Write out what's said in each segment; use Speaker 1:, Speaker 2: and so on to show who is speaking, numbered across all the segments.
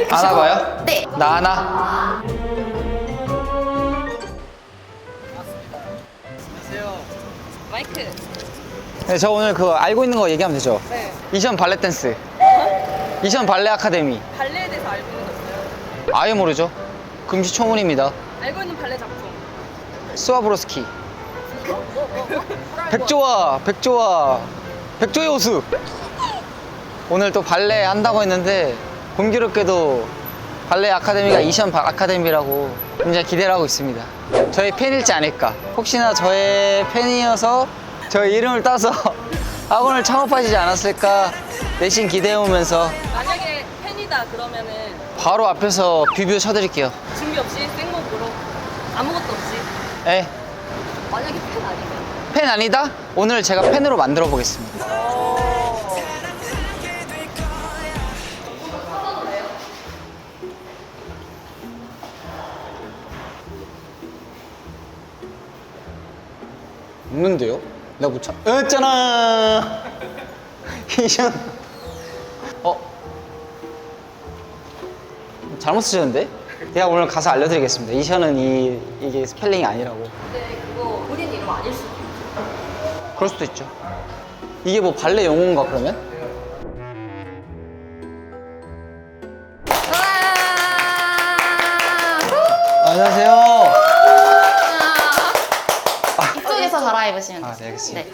Speaker 1: 들이키시고.
Speaker 2: 안아봐요?
Speaker 1: 네.
Speaker 2: 나 하나.
Speaker 3: 마이크.
Speaker 2: 네, 저 오늘 그거 알고 있는 거 얘기하면 되죠?
Speaker 3: 네.
Speaker 2: 이션 발레 댄스. 이션 발레 아카데미.
Speaker 3: 발레에 대해서 알고 있는 거 있어요?
Speaker 2: 아예 모르죠? 금시초문입니다.
Speaker 3: 알고 있는 발레 작품.
Speaker 2: 스와브로스키. 백조의 호수. 오늘 또 발레 한다고 했는데 공교롭게도 발레 아카데미가 이션 아카데미라고 굉장히 기대를 하고 있습니다. 저의 팬일지 않을까. 혹시나 저의 팬이어서 저의 이름을 따서 학원을 창업하시지 않았을까 내심 기대해오면서
Speaker 3: 만약에 팬이다 그러면은
Speaker 2: 바로 앞에서 뷰 쳐드릴게요.
Speaker 3: 준비 없이 생목으로 아무것도 없이.
Speaker 2: 네.
Speaker 3: 만약에 팬 아니면.
Speaker 2: 팬 아니다? 오늘 제가 팬으로 만들어 보겠습니다. 없는데요? 내가 못 찾... 있잖아. 이션. 잘못 쓰셨는데? 제가 오늘 가서 알려드리겠습니다. 이션은 이게 스펠링이 아니라고.
Speaker 3: 근데 그거 본인 이름 아닐 수도 있죠.
Speaker 2: 그럴 수도 있죠. 이게 뭐 발레 용어인가 그러면? 안녕하세요.
Speaker 1: 이쪽에서 갈아입으시면 돼요.
Speaker 2: 네, 알겠습니다.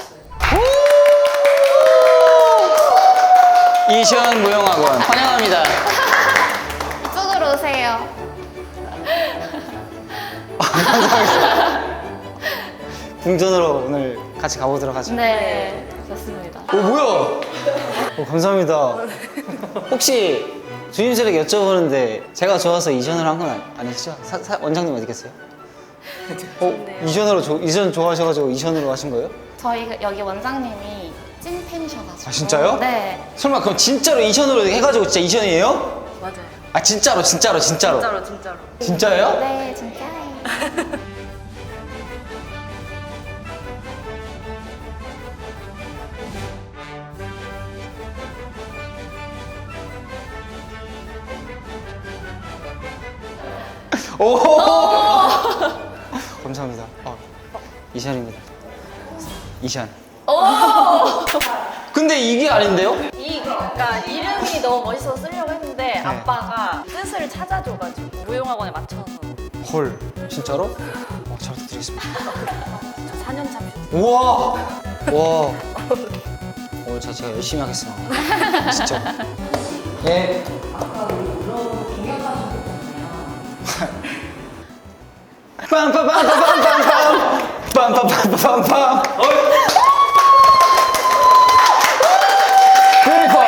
Speaker 1: 네.
Speaker 2: 이션 무용학원 환영합니다.
Speaker 1: 이쪽으로 오세요.
Speaker 2: 궁전으로 오늘 같이 가보도록 하죠.
Speaker 1: 네, 좋습니다.
Speaker 2: 오, 뭐야? 감사합니다. 혹시 주임쌤에게 여쭤보는데 제가 좋아서 이전을 한 건 아니시죠? 원장님 어디 계세요? 이전 좋아하셔가지고 이전으로 하신 거예요?
Speaker 1: 저희 여기 원장님이 찐 팬이셔가지고.
Speaker 2: 아, 진짜요?
Speaker 1: 네.
Speaker 2: 설마 그럼 진짜로 이전으로 해가지고 진짜 이전이에요?
Speaker 3: 맞아요.
Speaker 2: 아 진짜로.
Speaker 3: 진짜로.
Speaker 2: 진짜예요?
Speaker 1: 네, 진짜예요.
Speaker 2: 오! 감사합니다. 이션입니다. 이션. 근데 이게 아닌데요?
Speaker 3: 그러니까 이름이 너무 멋있어서 쓰려고 했는데 아빠가 뜻을 찾아줘가지고 무용학원에 맞춰서.
Speaker 2: 헐, 진짜로? 잘 부탁드리겠습니다.
Speaker 3: 저 4년 차 뮤지션.
Speaker 2: 우와! 와. 오늘 제가 열심히 하겠습니다. 진짜. 네. 빰빰빰빰빰빰빰 빰빰빰빰빰빰 뷰티풀.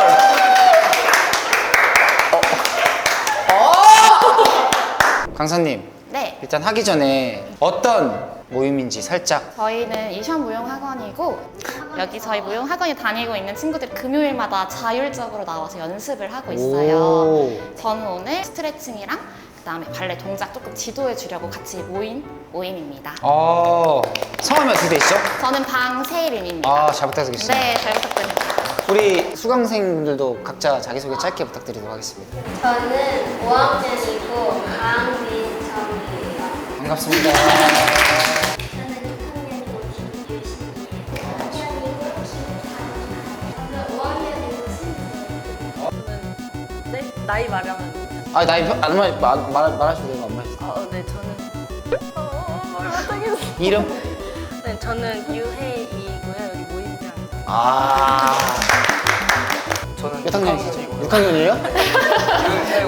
Speaker 2: 강사님,
Speaker 1: 네.
Speaker 2: 일단 하기 전에 어떤 모임인지 살짝.
Speaker 1: 저희는 이션 무용학원이고 여기 저희 무용학원에 다니고 있는 친구들이 금요일마다 자율적으로 나와서 연습을 하고 있어요.
Speaker 2: 오.
Speaker 1: 저는 오늘 스트레칭이랑 그다음에 발레 동작 조금 지도해 주려고 같이 모인 모임입니다.
Speaker 2: 성함이 어떻게 되시죠?
Speaker 1: 저는 방세림입니다.
Speaker 2: 잘 부탁드리겠습니다.
Speaker 1: 네, 잘 부탁드립니다.
Speaker 2: 우리 수강생분들도 각자 자기소개 짧게 부탁드리도록 하겠습니다.
Speaker 4: 저는 5학년이고 강민정이에요.
Speaker 2: 반갑습니다.
Speaker 4: 저는 6학년이고 김유신이에요. 4학년이고 김다은이에요. 저는 5학년이고 신지예요.
Speaker 3: 네? 나이 말하면.
Speaker 2: 나이 말하셔도 돼요. 안 말하셔도
Speaker 3: 네, 저는. 못하겠어.
Speaker 2: 이름?
Speaker 3: 네, 저는 유혜이고요. 여기 모임장.
Speaker 2: 저는 몇 학년이시죠? 6학년이에요? 윤태우.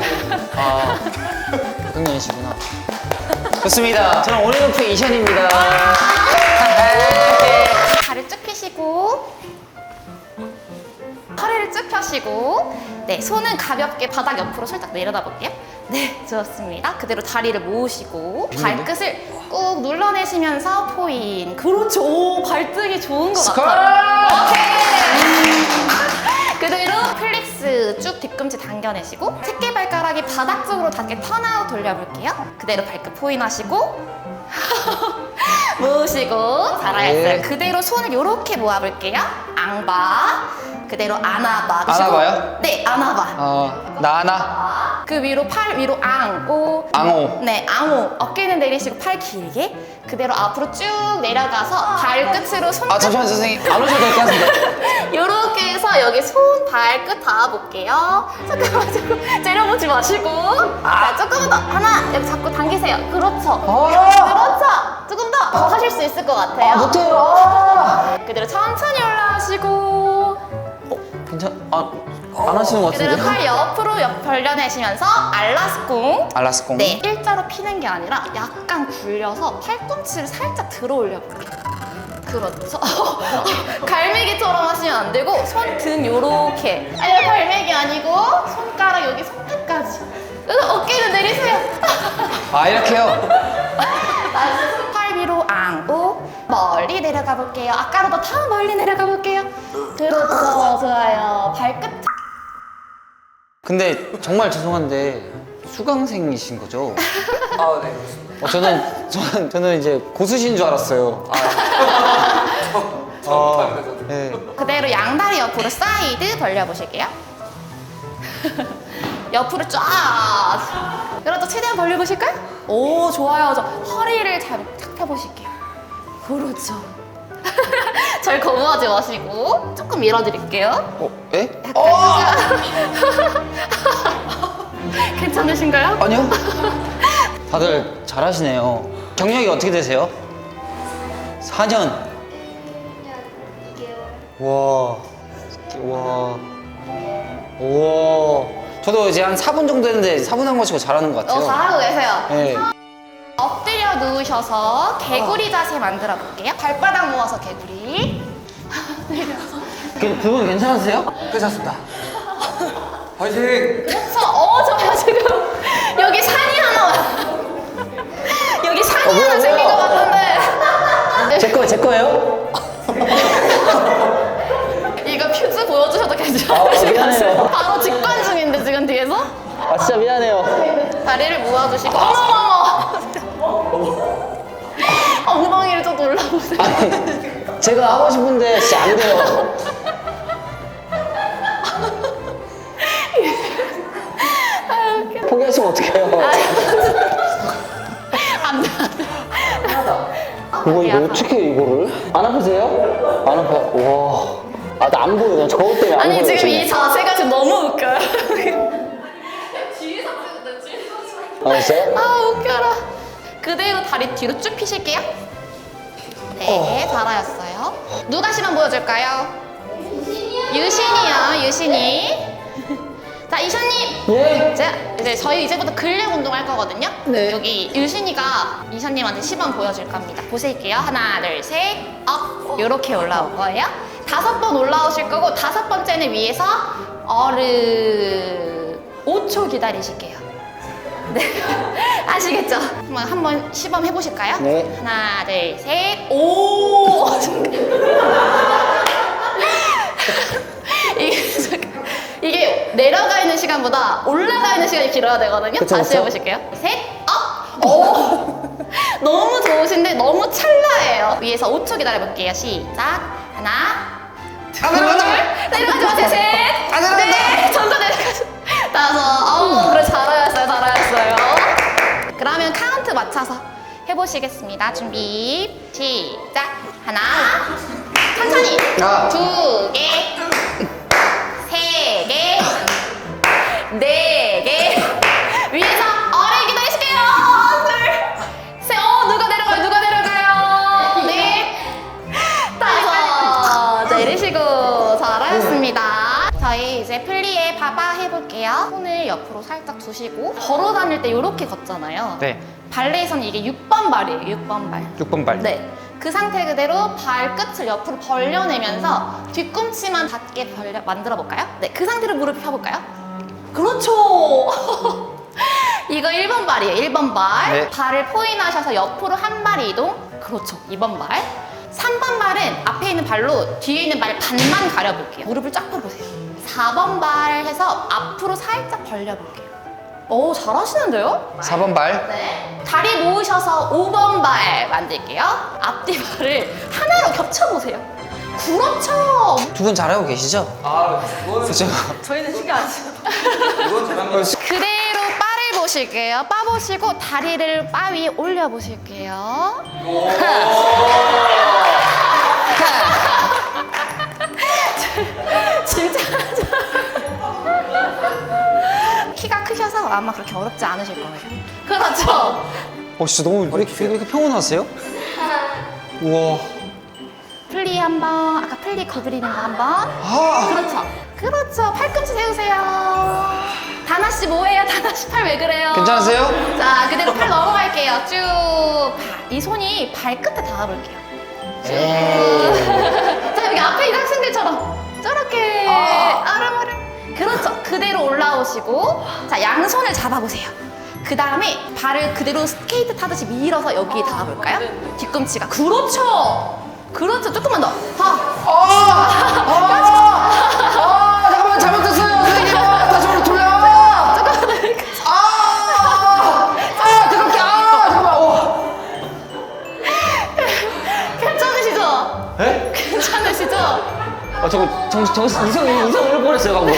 Speaker 2: 6학년이시구나. 좋습니다. 저는 온앤오프 이션입니다.
Speaker 1: 다리 쭉 펴시고 허리를 쭉 펴시고 네, 손은 가볍게 바닥 옆으로 살짝 내려다 볼게요. 네, 좋습니다. 그대로 다리를 모으시고 발끝을 꾹 눌러내시면서 포인. 그렇죠. 오, 발등이 좋은 것 같아요. 오케이. 그대로 플렉스 쭉 뒤꿈치 당겨내시고 새끼발가락이 바닥 쪽으로 닿게 턴아웃 돌려볼게요. 그대로 발끝 포인하시고 모으시고 잘하셨어요.
Speaker 2: 네.
Speaker 1: 그대로 손을 이렇게 모아볼게요. 앙바. 그대로 안아봐.
Speaker 2: 안아봐요?
Speaker 1: 네, 안아봐.
Speaker 2: 나나,
Speaker 1: 그 위로 팔 위로 앙오.
Speaker 2: 앙오.
Speaker 1: 네, 앙오. 어깨는 내리시고 팔 길게. 그대로 앞으로 쭉 내려가서 발끝으로 손.
Speaker 2: 잠시만요, 선생님. 안 오셔도 될 것 같은데.
Speaker 1: 이렇게 해서 여기 손 발끝 닿아볼게요. 잠깐만, 자꾸 째려보지 마시고. 자, 조금만 더. 하나, 여기 잡고 당기세요. 그렇죠. 그렇죠. 조금 더 하실 수 있을 것 같아요.
Speaker 2: 못해요.
Speaker 1: 그대로 천천히 올라가시고.
Speaker 2: 안 하시는 것
Speaker 1: 그대로
Speaker 2: 같은데.
Speaker 1: 팔 옆으로 벌려내시면서 알라스콩.
Speaker 2: 알라스콩.
Speaker 1: 네, 일자로 피는 게 아니라 약간 굴려서 팔꿈치를 살짝 들어 올려볼게요. 그렇죠. 갈매기처럼 하시면 안 되고 손 등 요렇게. 아니, 갈매기 아니고 손가락 여기 손끝까지. 그래서 어깨는 내리세요.
Speaker 2: 이렇게요?
Speaker 1: 팔 위로 앙고 멀리 내려가 볼게요. 아까보다 더 멀리 내려가 볼게요. 그렇죠. 좋아요. 발끝.
Speaker 2: 근데 정말 죄송한데 수강생이신 거죠?
Speaker 5: 네.
Speaker 2: 저는 이제 고수신 줄 알았어요. 네.
Speaker 1: 그대로 양다리 옆으로 사이드 벌려보실게요. 옆으로 쫙. 그렇죠. 최대한 벌려보실까요? 오, 좋아요. 저 허리를 잘 펴보실게요. 그렇죠. 절 거부하지 마시고 조금 밀어드릴게요.
Speaker 2: 예?
Speaker 1: 괜찮으신가요?
Speaker 2: 아니요. 다들 잘하시네요. 경력이 어떻게 되세요? 4년.
Speaker 4: 2개월.
Speaker 2: 와. 저도 이제 한 4분 정도 했는데 4분 한 거치고 잘하는 것 같아요.
Speaker 1: 잘하고 계세요.
Speaker 2: 네.
Speaker 1: 엎드려 누우셔서 개구리 자세 만들어 볼게요. 발바닥 모아서 개구리. 내려서.
Speaker 2: 그분 괜찮으세요?
Speaker 5: 괜찮습니다. 화이팅!
Speaker 1: 그렇죠. 좋아요. 지금 여기 산이 하나. 여기 산이
Speaker 2: 뭐야,
Speaker 1: 하나 생긴 것
Speaker 2: 뭐야.
Speaker 1: 같은데.
Speaker 2: 제 거예요?
Speaker 1: 이거 퓨즈 보여주셔도 괜찮으실 것
Speaker 2: 미안해요.
Speaker 1: 같아요. 바로 직관 중인데 지금 뒤에서.
Speaker 2: 진짜 미안해요.
Speaker 1: 다리를 모아주시고. 어머머머. 엉덩이를 좀 올라보세요.
Speaker 2: 제가 하고 싶은데 진짜 안 돼요. 포기하시면 어떡해요?
Speaker 1: 안 돼.
Speaker 2: 이거 어떻게 이거를? 안 아프세요? 안 아파요? 와. 나 안 보여. 저것 때문에 안
Speaker 1: 아니
Speaker 2: 보여.
Speaker 1: 지금 이 자세가 지금 너무 웃겨요.
Speaker 2: 진짜요?
Speaker 1: 웃겨라. 그대로 다리 뒤로 쭉 피실게요. 네, 잘하셨어요. 누가 시범 보여줄까요? 유신이요, 유신이. 자, 이샤님.
Speaker 2: 예?
Speaker 1: 자, 이제 저희 이제부터 근력 운동할 거거든요.
Speaker 2: 네.
Speaker 1: 여기 유신이가 이샤님한테 시범 보여줄 겁니다. 보실게요. 하나, 둘, 셋, 업. 요렇게 올라올 거예요. 5번 올라오실 거고 5번째는 위에서 어르 5초 기다리실게요. 네. 아시겠죠? 한번 시범 해보실까요?
Speaker 2: 네.
Speaker 1: 하나, 둘, 셋, 오! 이게 내려가 있는 시간보다 올라가 있는 시간이 길어야 되거든요.
Speaker 2: 그쵸,
Speaker 1: 다시
Speaker 2: 그쵸?
Speaker 1: 해보실게요. 셋, 업! 오! 너무 좋으신데 너무 찰나예요. 위에서 5초 기다려볼게요. 시작. 하나, 둘, 내려가지 마세요. 셋, 넷, 천천히 내려가지. 5. 그래, 잘하셨어요. 잘하셨어요. 그러면 카운트 맞춰서 해보시겠습니다. 준비, 시작. 하나, 천천히. 2개, 3개, 4개. 위에서 어뢰 기다리실게요. 둘, 셋. 누가 내려가요? 누가 내려가요? 네. 5. 내리시고 잘하셨습니다. 저희 이제 플리에 바바 해볼게요. 손을 옆으로 살짝 두시고 걸어 다닐 때 이렇게 걷잖아요.
Speaker 2: 네.
Speaker 1: 발레에서는 이게 6번 발이에요. 6번 발.
Speaker 2: 6번 발.
Speaker 1: 네. 그 상태 그대로 발끝을 옆으로 벌려내면서 뒤꿈치만 닿게 만들어 볼까요? 네. 그 상태로 무릎 펴볼까요? 그렇죠. 이거 1번 발이에요. 1번 발.
Speaker 2: 네.
Speaker 1: 발을 포인하셔서 옆으로 한 발 이동. 그렇죠. 2번 발. 3번 발은 앞에 있는 발로 뒤에 있는 발 반만 가려볼게요. 무릎을 쫙 펴보세요. 4번 발 해서 앞으로 살짝 벌려볼게요. 오, 잘하시는데요?
Speaker 2: 4번 발.
Speaker 1: 네. 다리 모으셔서 5번 발 만들게요. 앞뒤 발을 하나로 겹쳐보세요. 그렇죠.
Speaker 2: 두 분 잘하고 계시죠?
Speaker 5: 아, 그거는
Speaker 2: 그죠?
Speaker 3: 저희는 신경 안 쓰고.
Speaker 5: 이건 잘합니다.
Speaker 1: 그대로 바를 보실게요. 바 보시고 다리를 바 위에 올려 보실게요. 진짜 키가 크셔서 아마 그렇게 어렵지 않으실 거예요. 그렇죠.
Speaker 2: 진짜 너무 왜 이렇게 평온하세요? 우와.
Speaker 1: 플리 한번, 아까 플리 거드리는 거 한번.
Speaker 2: 아,
Speaker 1: 그렇죠. 그렇죠. 팔꿈치 세우세요. 다나 씨 뭐예요? 다나 씨 팔 왜 그래요?
Speaker 2: 괜찮으세요?
Speaker 1: 자, 그대로 팔 넘어갈게요. 쭉. 이 손이 발끝에 닿아볼게요. 자, 여기 앞에 있는 학생들처럼 저렇게 아름아름. 그렇죠. 그대로 올라오시고, 자, 양손을 잡아보세요. 그 다음에 발을 그대로 스케이트 타듯이 밀어서 여기에 닿아볼까요? 뒤꿈치가. 그렇죠. 그렇죠. 조금만 더.
Speaker 2: 잠깐만 잘못했어요, 선생님. 다시 한번 돌려. 그렇게 잠깐만.
Speaker 1: 괜찮으시죠?
Speaker 2: 에?
Speaker 1: 괜찮으시죠?
Speaker 2: 저거 이성 잃을 뻔했어요, 방금.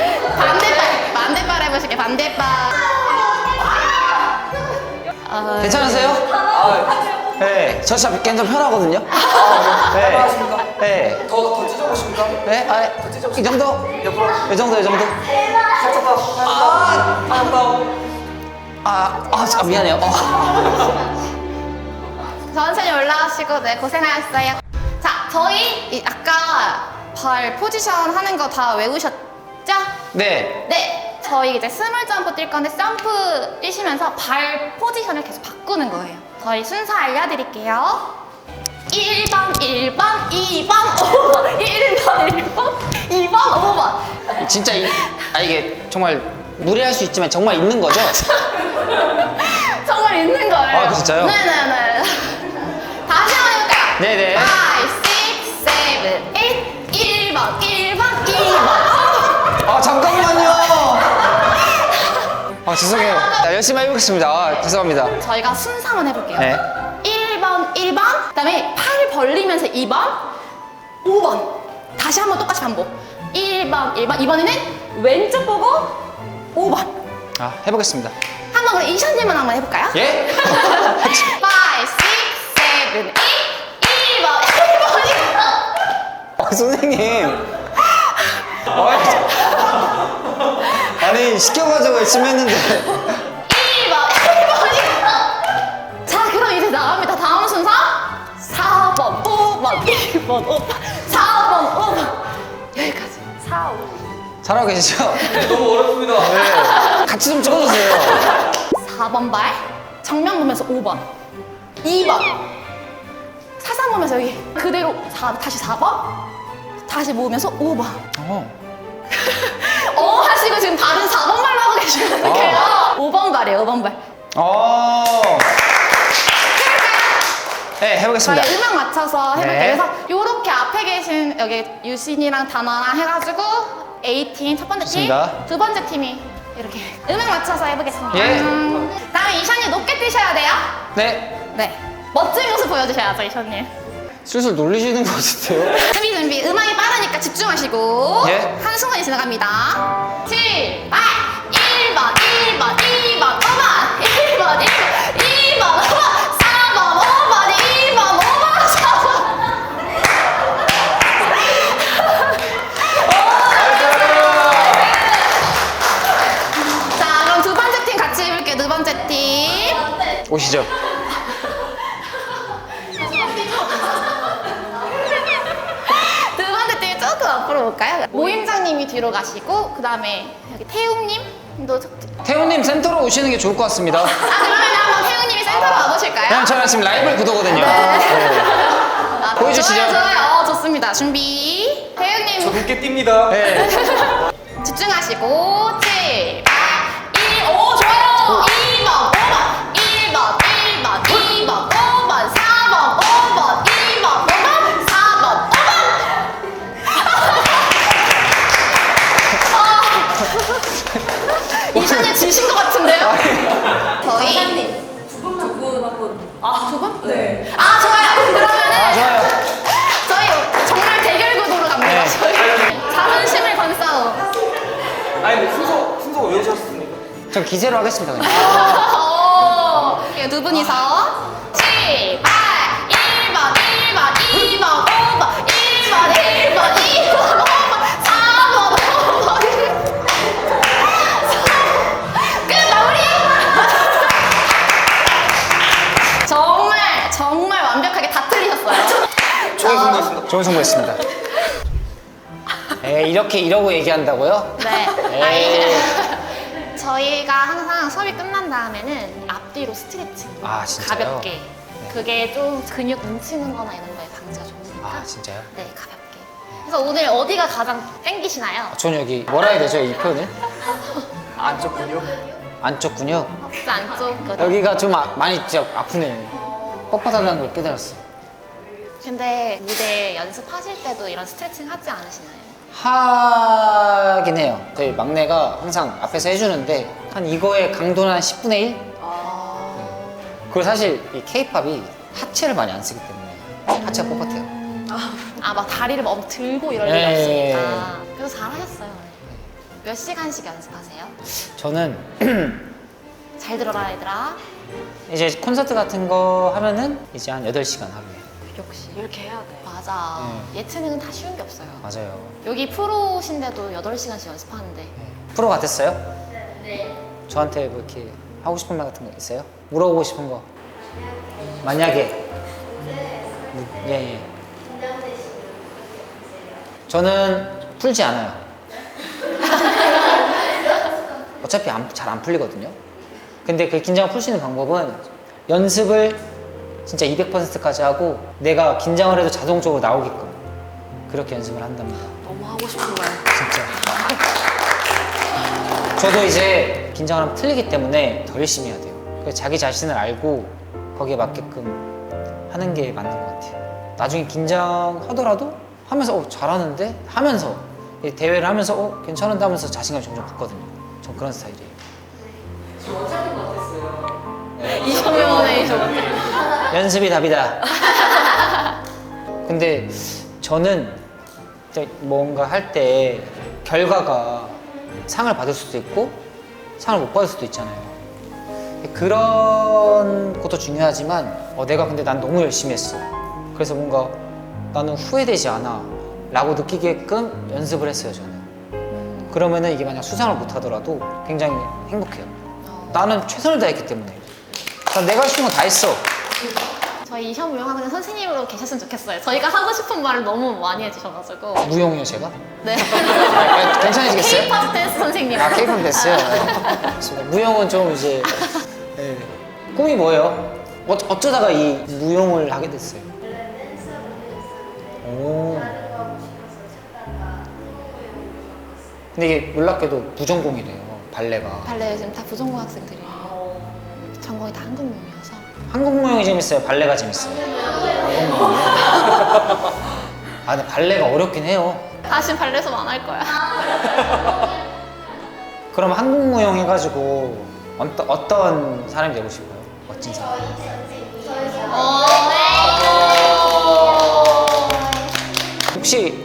Speaker 1: 반대발 해보실게요. 반대발.
Speaker 2: 괜찮으세요?
Speaker 5: 아,
Speaker 2: 네, 저 진짜 굉장히 편하거든요. 네.
Speaker 5: 하십니까?
Speaker 2: 네.
Speaker 5: 더 찢어보십니까?
Speaker 2: 네, 이 정도?
Speaker 5: 옆으로.
Speaker 2: 이 정도.
Speaker 5: 살짝 더. 살짝 더.
Speaker 2: 잠깐 미안해요.
Speaker 1: 천천히 올라오시고, 네, 고생하셨어요. 자, 저희 아까 발 포지션 하는 거 다 외우셨죠?
Speaker 2: 네.
Speaker 1: 네, 저희 이제 스몰 점프 뛸 건데 점프 뛰시면서 발 포지션을 계속 바꾸는 거예요. 저희 순서 알려드릴게요. 1번, 1번, 2번, 5번, 1번, 1번, 2번, 5번.
Speaker 2: 진짜 이게 정말 무리할 수 있지만 정말 있는 거죠?
Speaker 1: 정말 있는 거예요.
Speaker 2: 아, 진짜요?
Speaker 1: 네네네. 다시 한번 해볼까요?
Speaker 2: 네네.
Speaker 1: 5, 6, 7, 8, 1번, 1번, 2번.
Speaker 2: 잠깐만요. 죄송해요. 열심히 해보겠습니다. 죄송합니다.
Speaker 1: 저희가 순서만 해볼게요.
Speaker 2: 네.
Speaker 1: 1번, 1번, 그 다음에 팔 벌리면서 2번, 5번. 다시 한번 똑같이 반복. 1번, 1번. 이번에는 왼쪽 보고 5번.
Speaker 2: 해보겠습니다.
Speaker 1: 한번 그럼 이션님만 한번 해볼까요?
Speaker 2: 예?
Speaker 1: 5, 6, 7, 8, 1번, 1번.
Speaker 2: 선생님. 아니, 시켜가지고 열심히 했는데.
Speaker 1: 1번, 1번. 자, 그럼 이제 나갑니다. 다음 순서 4번, 5번, 1번, 5번, 4번, 5번. 여기까지. 4, 5.
Speaker 2: 잘하고 계시죠?
Speaker 5: 너무 어렵습니다.
Speaker 2: 네. 같이 좀 찍어주세요.
Speaker 1: 4번 발, 정면 보면서 5번, 2번, 사상 보면서 여기 그대로 다시 4번, 다시 모으면서 5번. 하시고 지금 발은 4번 발로 하고 계시거든요. 5번 발이에요, 5번 발.
Speaker 2: 네, 해보겠습니다.
Speaker 1: 저희 음악 맞춰서 해볼게요.
Speaker 2: 네.
Speaker 1: 그래서 이렇게 앞에 계신 여기 유신이랑 다나랑 해가지고 A팀 첫 번째 팀,
Speaker 2: 좋습니다.
Speaker 1: 두 번째 팀이 이렇게 음악 맞춰서 해보겠습니다.
Speaker 2: 예.
Speaker 1: 다음에 이션이 높게 뛰셔야 돼요.
Speaker 2: 네.
Speaker 1: 네. 멋진 모습 보여주셔야죠, 이션님.
Speaker 2: 슬슬 놀리시는 것 같은데요?
Speaker 1: 준비. 음악이 빠르니까 집중하시고.
Speaker 2: 예.
Speaker 1: 한순간이 지나갑니다. 7, 8, 1번, 1번, 2번, 5번, 1번, 1번, 2번, 5번, 4번, 5번, 2번, 5번, 4번. 자, 그럼 두 번째 팀 같이 해볼게요. 두 번째 팀.
Speaker 2: 오시죠.
Speaker 1: 두 번째 팀 조금 앞으로 볼까요? 모임장님이 뒤로 가시고, 그 다음에 여기 태웅님도.
Speaker 2: 태훈님 센터로 오시는 게 좋을 것 같습니다.
Speaker 1: 그러면 한번 태웅님이 센터로 와보실까요?
Speaker 2: 그냥 저는 지금 라이벌 구도거든요. 보여주시죠.
Speaker 1: 좋아요. 좋습니다. 준비.
Speaker 5: 저
Speaker 1: 태웅님
Speaker 5: 늦게 뜁니다.
Speaker 2: 네.
Speaker 1: 집중하시고 7, 8, 1, 5 좋아요. 2번, 5번, 1번, 1번, 2번, 5번, 4번, 5번, 2번, 5번, 4번, 5번. 이선이 지신 것 같은데.
Speaker 3: 이한님 두 분 한번.
Speaker 1: 두 분?
Speaker 3: 네.
Speaker 1: 아, 좋아요. 그러면은
Speaker 2: 좋아요.
Speaker 1: 저희 정말 대결 구도로 갑니다.
Speaker 2: 네.
Speaker 1: 저희 자존심을 건 싸움.
Speaker 5: 아니 근데 순서 외우셨습니까?
Speaker 2: 전 기세로 하겠습니다 그냥.
Speaker 1: 이거 두 분이서 출발! 1번, 1번, 2번, 5번, 1번, 1번, 2번, 5번, 4번, 5번. 끝 마무리! 정말 완벽하게 다 틀리셨어요.
Speaker 5: 좋은 승부였습니다.
Speaker 2: 좋은 승부였습니다. 에이, 이러고 얘기한다고요?
Speaker 1: 네.
Speaker 2: 에이.
Speaker 1: 아니, 저희가 항상 수업이 끝난 다음에는 앞뒤로 스트레칭
Speaker 2: 아, 진짜요?
Speaker 1: 가볍게. 그게 좀 근육 뭉치는 거나 이런 거에 방지가 좋으니까.
Speaker 2: 아, 진짜요?
Speaker 1: 네, 가볍게. 그래서 오늘 어디가 가장 땡기시나요?
Speaker 2: 전 여기 뭐라 해야 되죠 이 표현을?
Speaker 5: 안쪽 근육?
Speaker 2: 안쪽 근육?
Speaker 1: 혹시 안쪽 그
Speaker 2: 여기가 좀 많이 진짜 아프네요. 뻣뻣하다는 걸 깨달았어.
Speaker 1: 근데 무대 연습하실 때도 이런 스트레칭 하지 않으시나요?
Speaker 2: 하긴 해요. 저희 막내가 항상 앞에서 해주는데 한 이거의 강도는 한 10분의 1? 그리고 사실 이 케이팝이 하체를 많이 안 쓰기 때문에 하체가 뻣뻣해요.
Speaker 1: 아, 막 다리를 막 들고 이럴
Speaker 2: 네.
Speaker 1: 리가 없으니까. 그래서 잘하셨어요. 몇 시간씩 연습하세요?
Speaker 2: 저는
Speaker 1: 잘 들어라 얘들아.
Speaker 2: 이제 콘서트 같은 거 하면은 이제 한 8시간 하루에.
Speaker 1: 역시.
Speaker 3: 이렇게 해야 돼.
Speaker 1: 맞아. 예체능은 다 쉬운 게 없어요.
Speaker 2: 맞아요.
Speaker 1: 여기 프로신데도 8시간씩 연습하는데.
Speaker 2: 프로 같았어요? 네. 저한테 뭐 이렇게 하고 싶은 말 같은 거 있어요? 물어보고 싶은 거? 만약에? 예, 예. 저는 풀지 않아요. 어차피 잘 안 풀리거든요. 근데 그 긴장을 풀 수 있는 방법은 연습을 진짜 200%까지 하고 내가 긴장을 해도 자동적으로 나오게끔 그렇게 연습을 한답니다.
Speaker 3: 너무 하고 싶은 말.
Speaker 2: 진짜. 저도 이제 긴장을 하면 틀리기 때문에 더 열심히 해야 돼요. 그래서 자기 자신을 알고 거기에 맞게끔 하는 게 맞는 것 같아요. 나중에 긴장하더라도 하면서 잘하는데 하면서 대회를 하면서 괜찮은데 하면서 자신감이 점점 붙거든요. 전 그런 스타일이에요.
Speaker 1: 이셔면에
Speaker 2: 연습이 답이다. 근데 저는 진짜 뭔가 할 때 결과가 상을 받을 수도 있고 상을 못 받을 수도 있잖아요. 그런 것도 중요하지만 내가 근데 난 너무 열심히 했어. 그래서 뭔가 나는 후회되지 않아 라고 느끼게끔 연습을 했어요, 저는. 그러면은 이게 만약 수상을 못 하더라도 굉장히 행복해요. 나는 최선을 다했기 때문에. 난 내가 할 수 있는 건 다 했어.
Speaker 1: 저희 이셔 무용학원에 선생님으로 계셨으면 좋겠어요. 저희가 하고 싶은 말을 너무 많이 해주셔가지고.
Speaker 2: 무용이요, 제가?
Speaker 1: 네.
Speaker 2: 괜찮으시겠어요?
Speaker 1: K-pop 댄스 선생님.
Speaker 2: 아, 케이팝 됐어요. 좋습니다. 무용은 좀 이제 네. 꿈이 뭐예요? 어쩌다가 이 무용을 하게 됐어요? 오. 근데 이게 놀랍게도 부전공이래요, 발레가.
Speaker 1: 발레 지금 다 부전공 학생들이에요. 전공이 다 한국 무용이어서.
Speaker 2: 한국 무용이 재밌어요? 발레가 재밌어요? 한국 무용이요? 아, 근데 발레가 어렵긴 해요.
Speaker 1: 다시 발레 수업 안 할 거야.
Speaker 2: 그럼 한국 무용 해가지고 어떤 사람이 되고 싶어요? 멋진 사람. 혹시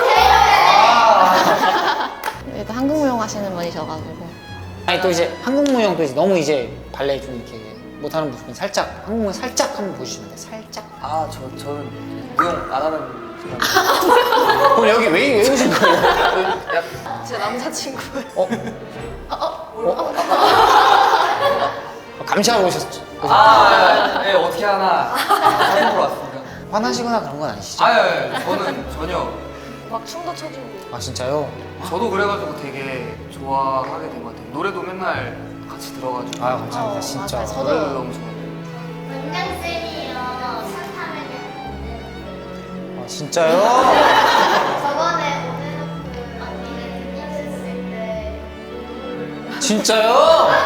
Speaker 1: 또 한국 무용 하시는 분이셔가지고.
Speaker 2: 아니 또 이제 한국 무용도 이제 너무 이제 발레 좀 이렇게 못하는 분은 살짝 한국 무용 살짝 한번 보여주시면 돼요. 살짝.
Speaker 5: 저는 무용 안 하는 그냥
Speaker 2: 그럼 여기 왜 오신 거예요?
Speaker 3: 제 남자친구예요.
Speaker 2: 감시하러 오셨죠?
Speaker 5: 네, 어떻게 하나 사진 보러 왔습니다.
Speaker 2: 화나시거나 그런 건 아니시죠?
Speaker 5: 저는 전혀.
Speaker 3: 막 춤도 춰주고.
Speaker 2: 아 진짜요?
Speaker 5: 저도 그래가지고 되게 좋아하게 된 것 같아요. 노래도 맨날 같이 들어가지고.
Speaker 2: 아 감사합니다 진짜.
Speaker 1: 맞아요.
Speaker 5: 노래도
Speaker 1: 저도
Speaker 5: 너무 좋아해요.
Speaker 4: 원장쌤이요. 산 타면
Speaker 2: 아 진짜요?
Speaker 4: 저번에 오늘 언니를 등려했을 때
Speaker 2: 진짜요?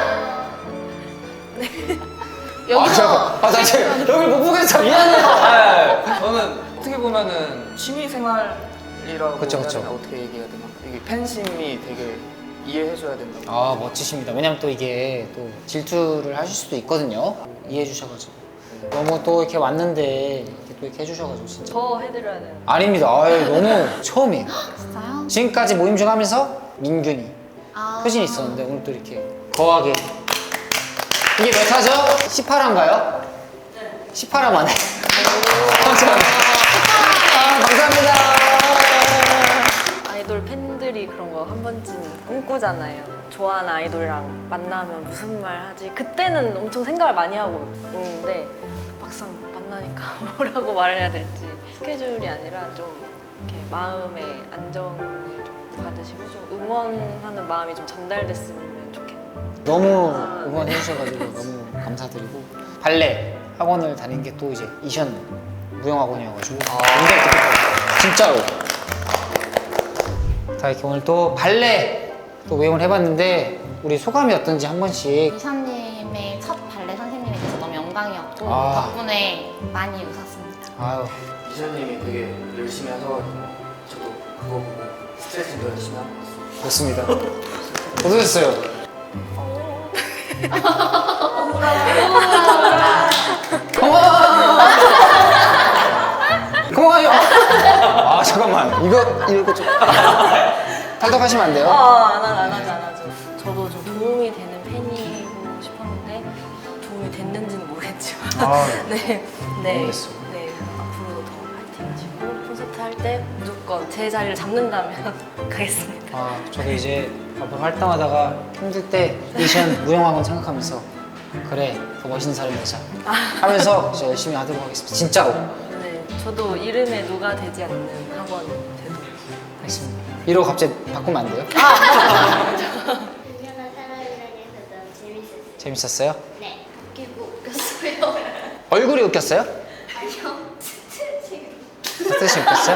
Speaker 1: 여기서
Speaker 2: 나 지금 여기 못 보겠어 미안해요.
Speaker 5: 저는 어떻게 보면은 취미 생활이라고
Speaker 2: 그쵸, 그쵸.
Speaker 5: 해야 되나? 어떻게 얘기해야 되나? 이게 팬심이 되게 이해해줘야 된다고.
Speaker 2: 아 멋지십니다. 왜냐면 또 이게 또 질투를 하실 수도 있거든요. 이해해 주셔가지고 너무 또 이렇게 왔는데 이렇게 또 이렇게 해주셔가지고 진짜
Speaker 3: 더 해드려야 되는.
Speaker 2: 아닙니다. 아유, 너무 처음이에요.
Speaker 1: 진짜요?
Speaker 2: 지금까지 모임 중 하면서 민균이
Speaker 1: 아.
Speaker 2: 효진이 있었는데 오늘 또 이렇게 거하게 이게 몇 화죠? 18화인가요? 네 18화 만에 감사합니다. 아, 감사합니다.
Speaker 3: 아이돌 팬들이 그런 거 한 번쯤 꿈꾸잖아요. 좋아하는 아이돌이랑 만나면 무슨 말 하지? 그때는 엄청 생각을 많이 하고 오는데 막상 만나니까 뭐라고 말해야 될지 스케줄이 아니라 좀 이렇게 마음의 안정을 좀 받으시고 좀 응원하는 마음이 좀 전달됐으면 좋겠네요.
Speaker 2: 너무 응원해 주셔가지고 너무 감사드리고 발레 학원을 다닌 게 또 이제 이션 무용학원이어가지고 굉장히 뜻깊어요. 진짜로. 자 이렇게 오늘 또 발레 또 모임을 해봤는데 우리 소감이 어떤지 한 번씩.
Speaker 1: 이샤님의 첫 발레 선생님이 돼서 너무 영광이었고
Speaker 2: 아.
Speaker 1: 덕분에 많이 웃었습니다.
Speaker 2: 아유
Speaker 5: 기자님이 되게 열심히 하셔가지고 저도 그거 보고 스트레칭도 열심히 하고 왔어요.
Speaker 2: 좋습니다. 어떠셨어요? 고마워요. 아 잠깐만 이거 좀 탈덕하시면 안 돼요?
Speaker 3: 안 하죠. 저도 좀 도움이 되는 팬이고 싶었는데 도움이 됐는지는 모르겠지만
Speaker 2: 아,
Speaker 3: 네,
Speaker 2: 모르겠어요.
Speaker 3: 네 앞으로도 더 파이팅 하시고 콘서트 할 때 무조건 제 자리를 잡는다면 가겠습니다.
Speaker 2: 아 저도 이제 앞으로 활동하다가 힘들 때 이션 무용학원 생각하면서 그래 더 멋있는 사람이 되자 하면서 이제 열심히 하도록 하겠습니다. 진짜로.
Speaker 3: 네, 저도 이름에 누가 되지 않는 학원 되도록
Speaker 2: 알겠습니다. 이러고 갑자기 바꾸면 안 돼요?
Speaker 4: 유연한 사람이라고 해서 너무 재밌었어요.
Speaker 2: 재밌었어요?
Speaker 4: 네. 웃기고 웃겼어요.
Speaker 2: 얼굴이 웃겼어요?
Speaker 4: 아니요. 스트레칭.
Speaker 2: 스트레스 웃겼어요?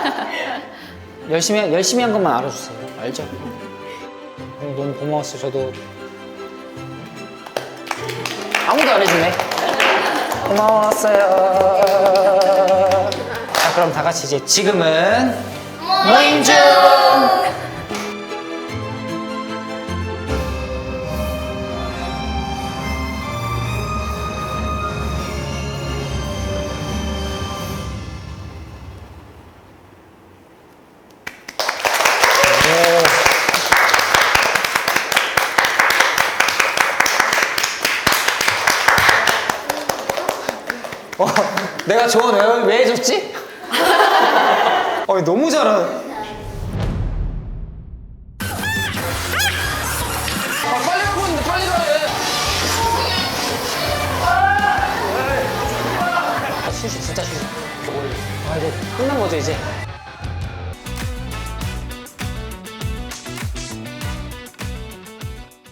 Speaker 2: 열심히 한 것만 알아주세요. 알죠? 너무 고마웠어요. 저도 아무도 안 해주네. 고마웠어요. 자 그럼 다 같이 이제 지금은 모임 중. 내가 조언 왜 해줬지? 너무 잘하네. 빨리 하고 있는데 빨리 가야 해. 휴식 진짜 휴식. 이제 끝난 거죠 이제?